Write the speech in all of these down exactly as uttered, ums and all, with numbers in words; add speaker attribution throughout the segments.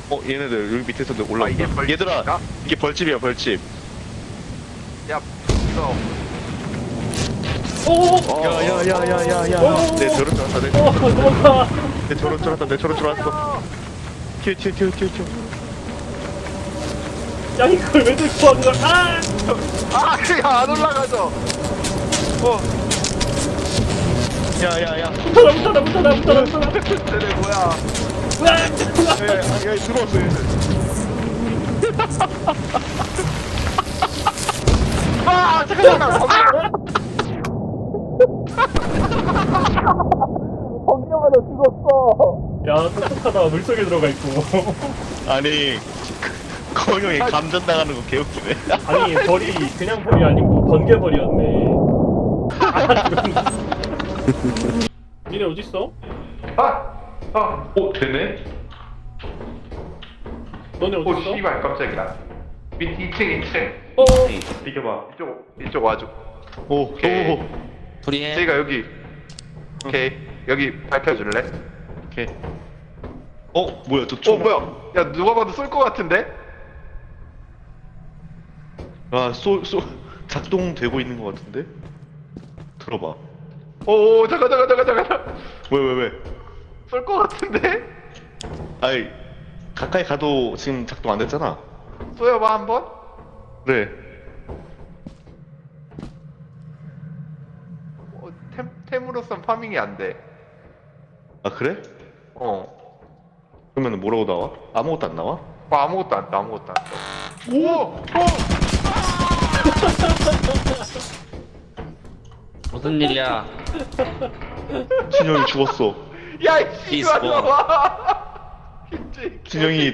Speaker 1: 어 얘네들 여기 밑에서 올라온다.
Speaker 2: 아, 이게 벌집인가?
Speaker 1: 얘들아 이게 벌집이야 벌집.
Speaker 2: 야, 너.
Speaker 3: 오!
Speaker 1: 야야야야야야.
Speaker 3: 오!
Speaker 1: 내 저런 줄 알았다. 내,
Speaker 3: 어, 도망가!
Speaker 1: 내 저런 줄 알았다. 내 저런 줄 알았어. 튀어 튀어 튀어 튀어 튀어.
Speaker 3: 야, 이걸 왜 들고 온 거야? 아!
Speaker 2: 아, 야, 안 올라가죠. 어,
Speaker 1: 야야야.
Speaker 3: 붙어라, 붙어라, 붙어라, 붙어라, 붙어라!
Speaker 2: 쟤네 뭐야?
Speaker 3: 으악!
Speaker 1: 야야야 들어왔어 얘들.
Speaker 2: 아, 잠깐, 잠깐. 번개마다 죽었어.
Speaker 3: 야, 똑똑하다. 물속에 들어가 있고.
Speaker 1: 아니 건영이 감전 당하는 거 개웃기네.
Speaker 3: 아니, 벌이 그냥 벌이 아니고 번개 벌이었네. 아, 죽었네. 니네 어딨어?
Speaker 2: 아, 아,
Speaker 1: 오 되네.
Speaker 3: 너네
Speaker 2: 오,
Speaker 3: 어딨어?
Speaker 2: 씨발, 깜짝이야. 밑 이 층, 이 층.
Speaker 3: 어?
Speaker 1: 비켜봐.
Speaker 2: 이쪽, 이쪽 와줘.
Speaker 1: 오
Speaker 2: 오케이.
Speaker 1: 오.
Speaker 4: 불이해.
Speaker 2: 저희가 여기. 오케이. 여기 밝혀줄래?
Speaker 1: 오케이. 어 뭐야 저
Speaker 2: 어,
Speaker 1: 총.
Speaker 2: 뭐야? 야, 누가 봐도 쏠 것 같은데?
Speaker 1: 아쏘쏘 작동되고 있는 것 같은데. 들어봐.
Speaker 2: 오, 오, 잠깐, 잠깐, 잠깐, 잠깐.
Speaker 1: 왜 왜 왜?
Speaker 2: 쏠 것 같은데?
Speaker 1: 아이 가까이 가도 지금 작동 안 됐잖아.
Speaker 2: 쏘여봐, 한번?
Speaker 1: 그래.
Speaker 2: 어, 템, 템으로선 파밍이 안 돼.
Speaker 1: 아 그래?
Speaker 2: 어.
Speaker 1: 그러면 뭐라고 나와? 아무것도 안 나와?
Speaker 2: 뭐 아무것도 안 떠, 아무것도 안 떠. 오! 오!
Speaker 4: 무슨 일이야?
Speaker 1: 진영이 죽었어.
Speaker 2: 야, 이
Speaker 4: 이스포.
Speaker 2: 씨발 와. 김재희
Speaker 1: 진영이.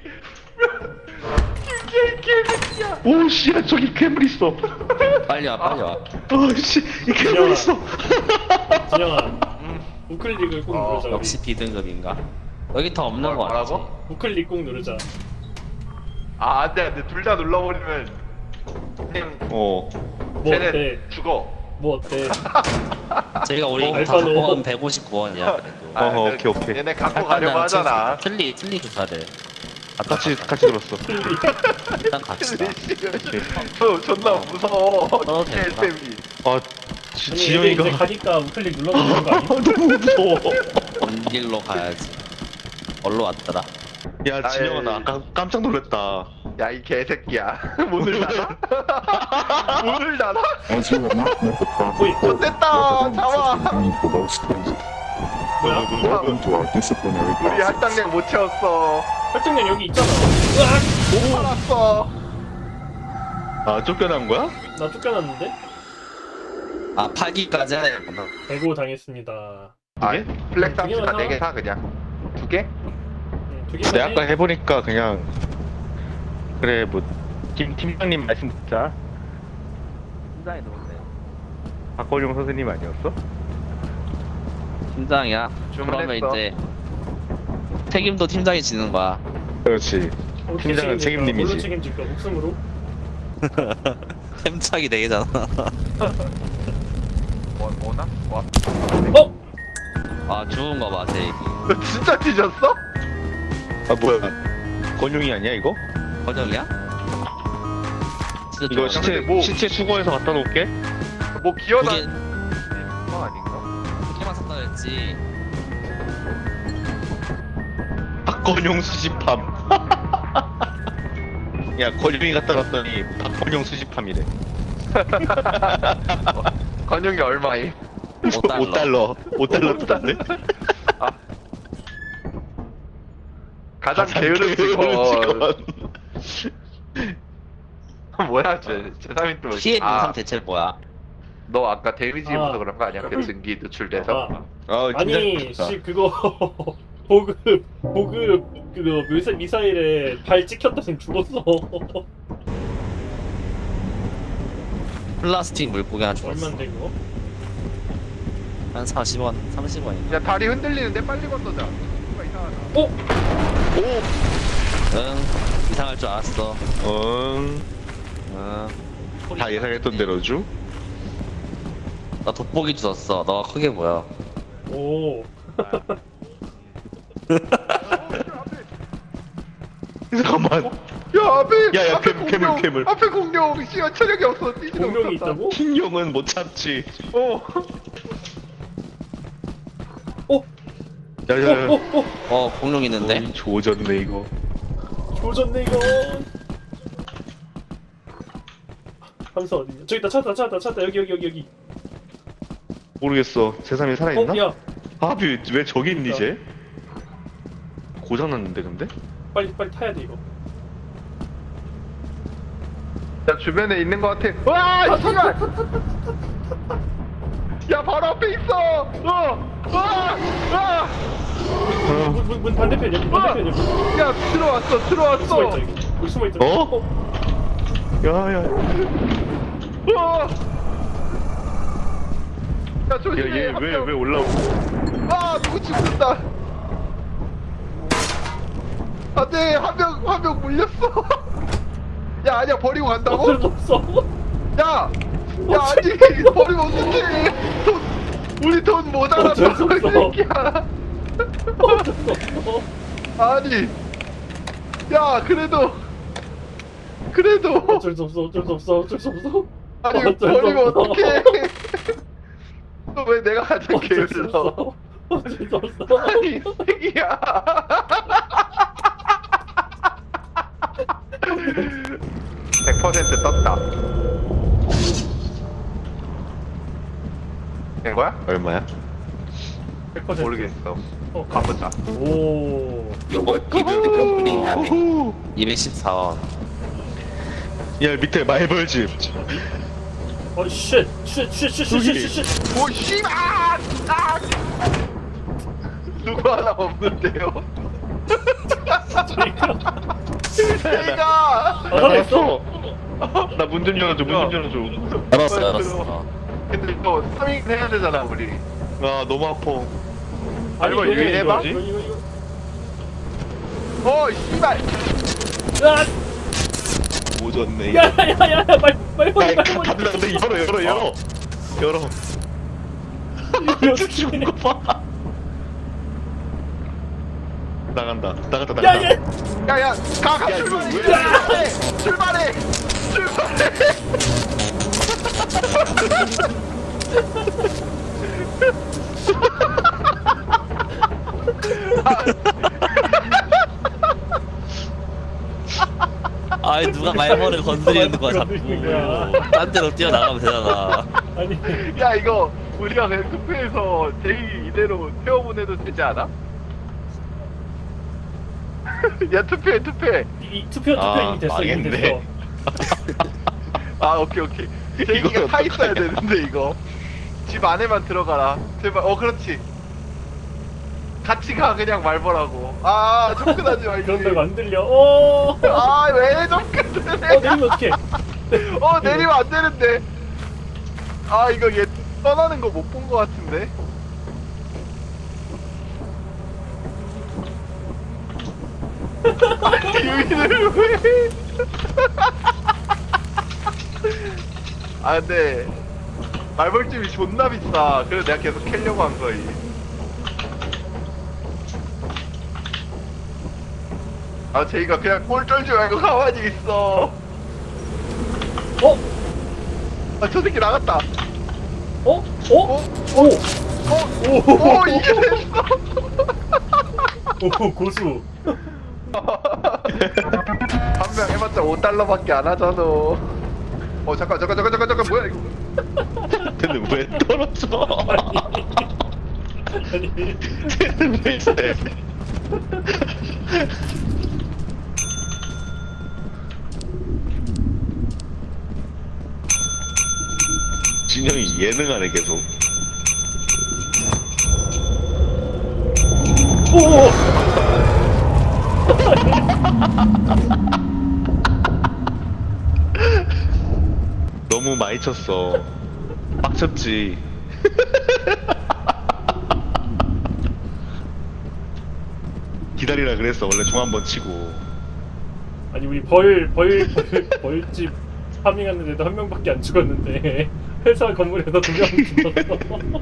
Speaker 2: 김재희 개새끼야.
Speaker 1: 오씨 저기 괴물 있어.
Speaker 4: 빨리 와, 빨리 와.
Speaker 1: 오씨 이 괴물 있어.
Speaker 3: 진영아, 우클릭을 꾹
Speaker 2: 어,
Speaker 3: 누르자. 우리.
Speaker 4: 역시 B등급인가? 여기 더 없는
Speaker 2: 뭐-
Speaker 4: 거 같지?
Speaker 2: 뭐라고?
Speaker 3: 우클릭 꾹 누르자.
Speaker 2: 아, 안돼, 안돼. 둘 다 눌러버리면 템
Speaker 1: 어.
Speaker 3: 뭐
Speaker 2: 쟤네
Speaker 3: 어때?
Speaker 2: 죽어.
Speaker 3: 뭐 어때?
Speaker 4: 저희가 우리
Speaker 3: 어,
Speaker 4: 다
Speaker 3: 알파노.
Speaker 4: 갖고 간 백오십구 원이야 그래도.
Speaker 2: 아,
Speaker 1: 어허,
Speaker 2: 그-
Speaker 1: 오케이, 오케이.
Speaker 2: 얘네 갖고 가려고 하잖아.
Speaker 4: 틀리, 틀리 다들. 아까
Speaker 1: 같이 같이 들었어.
Speaker 4: 일단 갑시다.
Speaker 2: 저 존나 무서워.
Speaker 4: 어,
Speaker 2: 템
Speaker 4: 됐다.
Speaker 2: 템이.
Speaker 1: 아 지,
Speaker 3: 아니, 이제
Speaker 1: 진영이가
Speaker 3: 가니까 우클릭 눌러도 되는 거 아니야?
Speaker 1: 너무 무서워.
Speaker 4: 먼 길로 가야지. 얼로 왔더라.
Speaker 1: 야 진영아 나 아까 깜짝 놀랐다.
Speaker 2: 야, 이 개새끼야. 문을 닫아? 문을 닫아?
Speaker 5: As you have not met the proper
Speaker 3: Wait,
Speaker 5: quota,
Speaker 2: 됐다.
Speaker 5: weapons
Speaker 2: 잡아.
Speaker 5: have been for those things.
Speaker 3: 뭐야?
Speaker 5: Welcome to our disciplinary
Speaker 2: 우리
Speaker 5: process.
Speaker 2: 할당량 못 채웠어.
Speaker 3: 활동량 여기 있잖아. 으악!
Speaker 2: 못 팔았어.
Speaker 1: 아 쫓겨난 거야?
Speaker 3: 나 쫓겨났는데?
Speaker 4: 아, 팔기까지 해야 되구나.
Speaker 3: 배고 당했습니다.
Speaker 2: 아,
Speaker 1: 개?
Speaker 2: 블랙
Speaker 3: 두 개만
Speaker 2: 탐지가
Speaker 3: 사?
Speaker 2: 네 개 사 그냥. 두 개?
Speaker 3: 응, 두 개만
Speaker 1: 내가 아까
Speaker 3: 해.
Speaker 1: 해보니까 그냥 그래 뭐 김 팀장님 말씀 듣자.
Speaker 4: 팀장이 누군데?
Speaker 1: 박건용 선생님 아니었어?
Speaker 4: 팀장이야. 그러면
Speaker 2: 주문했어.
Speaker 4: 이제 책임도 팀장이 지는 거야.
Speaker 1: 그렇지.
Speaker 3: 어떻게
Speaker 1: 팀장은
Speaker 3: 책임질까?
Speaker 1: 책임님이지.
Speaker 3: 뭘로 책임질까? 목숨으로?
Speaker 4: 템착이 네 개잖아.
Speaker 2: 뭐, 뭐나? 와.
Speaker 3: 어?
Speaker 4: 아, 죽은 거 봐, 제이.
Speaker 2: 너 진짜 뒤졌어?
Speaker 1: 아 뭐야? 건용이 아니야 이거?
Speaker 4: 번역이야? 진짜
Speaker 1: 이거
Speaker 4: 좋아.
Speaker 1: 시체
Speaker 2: 근데 뭐-
Speaker 1: 시체 수거해서 갖다 놓을게.
Speaker 2: 뭐 기어다.
Speaker 4: 두 개,
Speaker 2: 뭐 아닌가?
Speaker 4: 두 개만 샀다 그랬지.
Speaker 1: 박건용 수집함. 야 건용이 갖다 놨더니 박건용 수집함이래.
Speaker 2: 건영이 얼마임?
Speaker 4: 오 달러.
Speaker 1: 오 달러. 오 달러 뜯었네.
Speaker 2: 아. 가장
Speaker 1: 가장
Speaker 2: 게으른
Speaker 1: 게으른
Speaker 2: 직원.
Speaker 1: 직원.
Speaker 2: 뭐야, 쟤, 쟤삼이 또.
Speaker 4: 피해
Speaker 2: 아,
Speaker 4: 영상 대체 뭐야?
Speaker 2: 너 아까 데미지
Speaker 3: 아.
Speaker 2: 입어서 그런 거 아니야? 그 증기 노출돼서?
Speaker 3: 아,
Speaker 1: 아,
Speaker 3: 아니,
Speaker 1: 팀장
Speaker 3: 씨, 그거 보급, 보급 그거 미사, 미사일에 발 찍혔다니 죽었어.
Speaker 4: 플라스틱 물고기 하나 주었어.
Speaker 3: 얼만데 그거?
Speaker 4: 한 사십 원, 삼십 원인가?
Speaker 2: 야, 다리 흔들리는데 빨리 건너자. 뭔가 이상하다.
Speaker 3: 어?
Speaker 1: 오.
Speaker 4: 응, 이상할 줄 알았어.
Speaker 1: 응.
Speaker 4: 응.
Speaker 1: 다 예상했던 대로죠.
Speaker 4: 나 돋보기 주웠어. 너가 크게 보여.
Speaker 3: 오.
Speaker 1: 잠깐만.
Speaker 2: 야 앞에
Speaker 1: 야, 야,
Speaker 2: 앞에
Speaker 1: 괴물, 괴물,
Speaker 2: 공룡,
Speaker 1: 괴물.
Speaker 2: 앞에 공룡 씨발 체력이 없어 뛰지도
Speaker 3: 공룡이
Speaker 2: 못한다.
Speaker 3: 있다고?
Speaker 1: 흰용은 못 참지.
Speaker 2: 어
Speaker 3: 어?
Speaker 1: 야야야.
Speaker 3: 어? 어? 어?
Speaker 4: 어 공룡 있는데.
Speaker 1: 조졌네 이거.
Speaker 3: 조졌네 이거. 함수 어디냐? 저기 있다 찾았다 찾았다 찾았다 여기 여기 여기 여기.
Speaker 1: 모르겠어. 세상에 살아있나?
Speaker 3: 어? 야
Speaker 1: 아비 왜 저기 있니 이제? 고장났는데 근데?
Speaker 3: 빨리 빨리 타야 돼 이거.
Speaker 2: 야 주변에 있는 거 같아. 와 씨발. 야 바로 앞에 있어. 어. 와. 와.
Speaker 3: 문, 문, 문 반대편 여기 반대편 여기.
Speaker 2: 야 들어왔어
Speaker 3: 여기
Speaker 2: 들어왔어.
Speaker 3: 숨어 있다 여기. 여기 숨어 있다.
Speaker 1: 어? 야야.
Speaker 2: 어. 야 조심해.
Speaker 1: 야얘
Speaker 2: 한
Speaker 1: 왜
Speaker 2: 명.
Speaker 1: 왜 올라오?
Speaker 2: 아 누구 죽는다. 안돼 한 명 한 명 물렸어. 야 아니야 버리고 간다고?
Speaker 3: 어쩔 수 없어.
Speaker 2: 야. 야 아니 버리면 어떡해. 돈 우리 돈 모자라서
Speaker 3: 어쩔 수
Speaker 2: 이
Speaker 3: 없어.
Speaker 2: 새끼야.
Speaker 3: 어쩔 수 없어.
Speaker 2: 아니. 야 그래도 그래도
Speaker 3: 어쩔 수 없어. 어쩔 수 없어. 어쩔 수 없어.
Speaker 2: 아니
Speaker 3: 어쩔 수
Speaker 2: 버리면
Speaker 3: 없어.
Speaker 2: 어떡해. 또 왜 내가 가장
Speaker 3: 어쩔 수
Speaker 2: 게을러.
Speaker 3: 없어. 어쩔 수 없어.
Speaker 2: 아니 이 새끼야. 백 퍼센트 떴다. 된 거야?
Speaker 1: 얼마야?
Speaker 3: 백 퍼센트.
Speaker 2: 모르겠어.
Speaker 3: 어,
Speaker 2: 가보자.
Speaker 3: 오.
Speaker 4: 이백십사 원.
Speaker 1: 야 밑에 말벌집.
Speaker 3: 어, 쉣. 쉣, 쉣, 쉣, 쉣, 쉣, 쉣, 쉣.
Speaker 2: 오 씨발! 아! 누구 하나 없는데요? 제가
Speaker 3: 아, 살아있어?
Speaker 1: 나 문 좀 열어줘. 문 좀 열어줘.
Speaker 4: 알았어
Speaker 2: 빨리
Speaker 4: 알았어.
Speaker 2: 들어와. 근데 이거 삼 인 해야 되잖아 우리.
Speaker 1: 아 너무 아파.
Speaker 2: 아니, 이거
Speaker 3: 이거네,
Speaker 2: 해봐?
Speaker 3: 이거, 이거, 이거.
Speaker 2: 어 씨발!
Speaker 3: 야,
Speaker 1: 오졌네.
Speaker 3: 야, 야, 야, 야, 말, 말, 말,
Speaker 1: 야,
Speaker 3: 말,
Speaker 1: 다들 나한테 열어 열어 열어. 열어.
Speaker 3: 말.
Speaker 1: 죽은 거 봐. 나간다. 나갔다
Speaker 3: 야,
Speaker 1: 나갔다.
Speaker 3: 얘.
Speaker 2: 야야 가 가
Speaker 1: 야, 이거
Speaker 2: 출발해!
Speaker 1: 왜-
Speaker 2: 출발해! 출발해! 출발해!
Speaker 4: 아이 누가 말벌을 건드리는 거야 자꾸.
Speaker 3: 건드리는 거야.
Speaker 4: 딴 데로 뛰어나가면 되잖아.
Speaker 3: 아니,
Speaker 2: 야 이거 우리가 그냥 투표해서 제이 이대로 태워보내도 되지 않아? 야 투표해 투표해.
Speaker 3: 이, 이 투표 투표
Speaker 1: 아,
Speaker 3: 이미 됐어, 이미
Speaker 1: 망했네.
Speaker 3: 됐어.
Speaker 2: 아 오케이 오케이. 제이가
Speaker 1: 이거
Speaker 2: 타 있어야
Speaker 1: 어떡하냐.
Speaker 2: 되는데 이거. 집 안에만 들어가라. 제발. 어 그렇지. 같이 가 그냥 말벌하고. 아 접근하지 말지.
Speaker 3: 그런다고 안 들려. 오.
Speaker 2: 아왜 접근을 해?
Speaker 3: 어, 내리면 어떡해.
Speaker 2: 어 내리면 안 되는데. 아 이거 얘 떠나는 거 못 본 거 같은데. 아니 유인을 왜? 아 근데 말벌집이 존나 비싸. 그래서 내가 계속 캐려고 한 거이. 아 제이가 그냥 꼴 쫄지 말고 가만히 있어.
Speaker 3: 어?
Speaker 2: 아 저 새끼 나갔다.
Speaker 3: 어? 어?
Speaker 2: 어?
Speaker 3: 오.
Speaker 2: 어?
Speaker 3: 오.
Speaker 2: 오 이게 됐어.
Speaker 3: 오, 고수.
Speaker 2: 한 명 해봤자 오 달러밖에 안 하잖아. 어 잠깐 잠깐 잠깐 잠깐 잠깐 뭐야 이거?
Speaker 1: 근데 왜 떨어져?
Speaker 3: 아니.
Speaker 1: 쟤는 왜 이래? 진영이 예능하네 계속.
Speaker 3: 오.
Speaker 1: 너무 많이 쳤어. 빡쳤지. 기다리라 그랬어. 원래 중 한 번 치고.
Speaker 3: 아니 우리 벌, 벌, 벌, 벌집 파밍하는데도 한 명밖에 안 죽었는데 회사 건물에서 두 명 죽었어.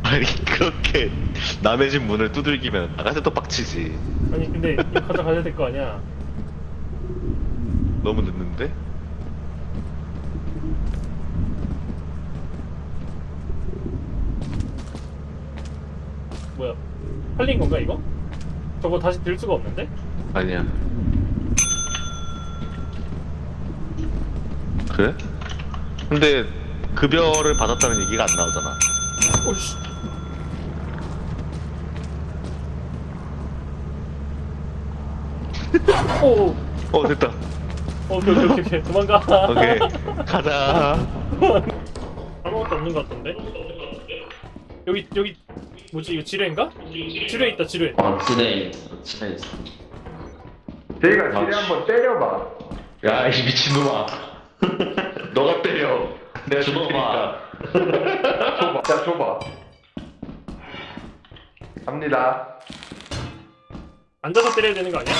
Speaker 1: 아니 그렇게 남의 집 문을 두들기면 나가서 또 빡치지.
Speaker 3: 아니 근데 이거 가져가야 될 거 아니야.
Speaker 1: 너무 늦는데?
Speaker 3: 뭐야? 팔린 건가 이거? 저거 다시 들 수가 없는데?
Speaker 1: 아니야. 그래? 근데 급여를 받았다는 얘기가 안 나오잖아.
Speaker 3: 오씨. 오.
Speaker 1: 어 됐다.
Speaker 3: 어, 오케이 오케이 오케이 오케이. 도망가.
Speaker 1: 오케이 가자.
Speaker 3: 아무것도 없는 것 같던데? 여기 여기 뭐지 이거 지뢰인가? 지뢰 있다 지뢰.
Speaker 4: 어 지네 지네 있어.
Speaker 2: 제이가 지뢰 한번 때려봐.
Speaker 1: 야 이 미친놈아. 너가 때려. 내가 줄
Speaker 4: 주먹아.
Speaker 1: 테니까.
Speaker 2: 줘봐. 자, 줘봐. 갑니다.
Speaker 3: 앉아서 때려야 되는 거 아니야?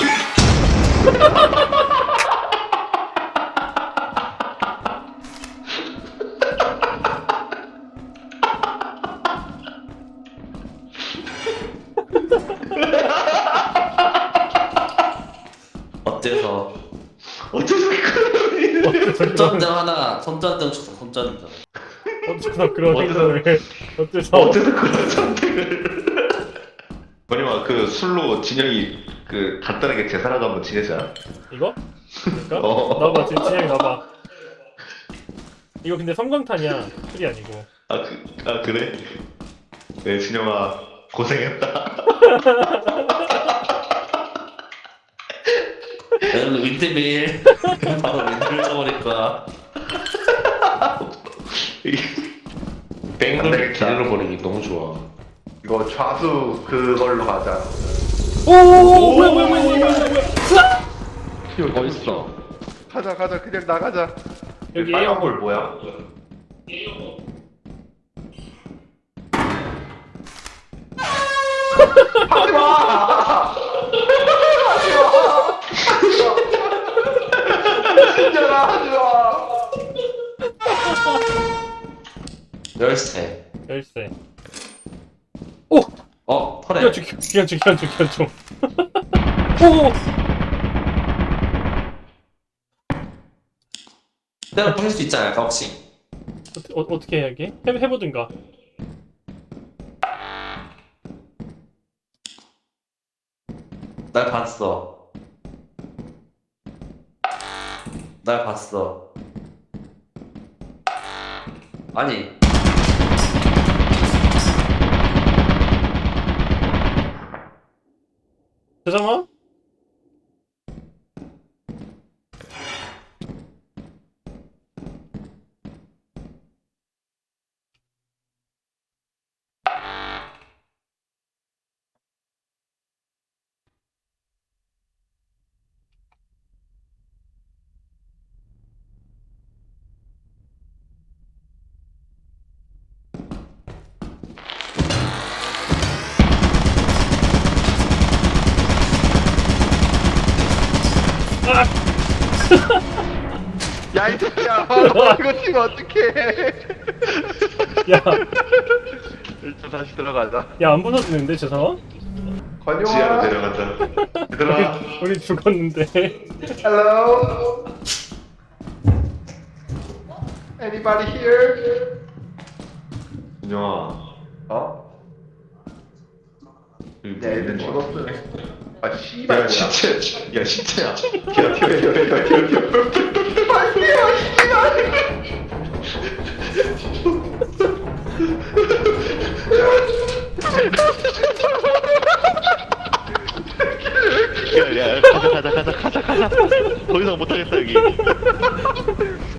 Speaker 4: 어째서?
Speaker 1: 어째서 그러니?
Speaker 4: 손전등 하나 손전등 줬어 손전등.
Speaker 3: 어째서 그런
Speaker 1: 어째서-
Speaker 3: 행동을 어째서
Speaker 1: 어째서 그런 선택을? 뭐냐면 그 술로 진영이 그 간단하게 제사라도 한번 지내자.
Speaker 3: 이거? 그러니까?
Speaker 1: 어.
Speaker 3: 나봐 지금 진영이 나봐. 이거 근데 섬광탄이야 술이 아니고.
Speaker 1: 아, 그, 아 그래? 네 진영아 고생했다.
Speaker 4: 오늘 윈드밀 바로 윈드밀 쳐버릴 거야.
Speaker 1: 뺑돌이 기대로 버리기 너무 좋아.
Speaker 2: 이거 좌수 그걸로 가자.
Speaker 3: 오 뭐야 뭐야 뭐야 뭐야 뭐야.
Speaker 1: 어디 있어?
Speaker 2: 가자, 가자. 그냥 나가자.
Speaker 3: 여기
Speaker 2: 빨간
Speaker 3: 에어
Speaker 2: 볼 뭐야? 하지 마! 하지 마! 진짜라 하지 마!
Speaker 4: 열쇠.
Speaker 3: 열쇠. 오!
Speaker 4: 어 털에.
Speaker 3: 기관총 기관총 기관총 기관총. 오!
Speaker 4: 때려 부술 수 있지 않을까 혹시?
Speaker 3: 어, 어, 어떻게 해야 게 해, 해보든가.
Speaker 4: 날 봤어. 날 봤어. 아니.
Speaker 3: 잠깐만.
Speaker 2: 야, 이 새끼야. 너 이거 치면 어떡해.
Speaker 3: 야,
Speaker 2: 일단 다시 들어가자.
Speaker 3: 야 안 부서지는데 저 상황?
Speaker 2: 건용아.
Speaker 1: 지하로 데려가자. 얘들아.
Speaker 3: 우리 죽었는데.
Speaker 2: Hello? Anybody here?
Speaker 1: 진영아.
Speaker 2: 어?
Speaker 1: 여기
Speaker 2: 야, 애들
Speaker 1: 뭐
Speaker 2: 죽었어. 아, 씨발.
Speaker 1: 야
Speaker 2: 뭐야.
Speaker 1: 시체. 야 시체야. 튀어 튀어 튀어 튀어 튀어 튀어.
Speaker 2: 아, 씨발, 씨발.
Speaker 1: 야, 야, 가자, 가자, 가자, 가자, 가자. 더 이상 못하겠다, 여기.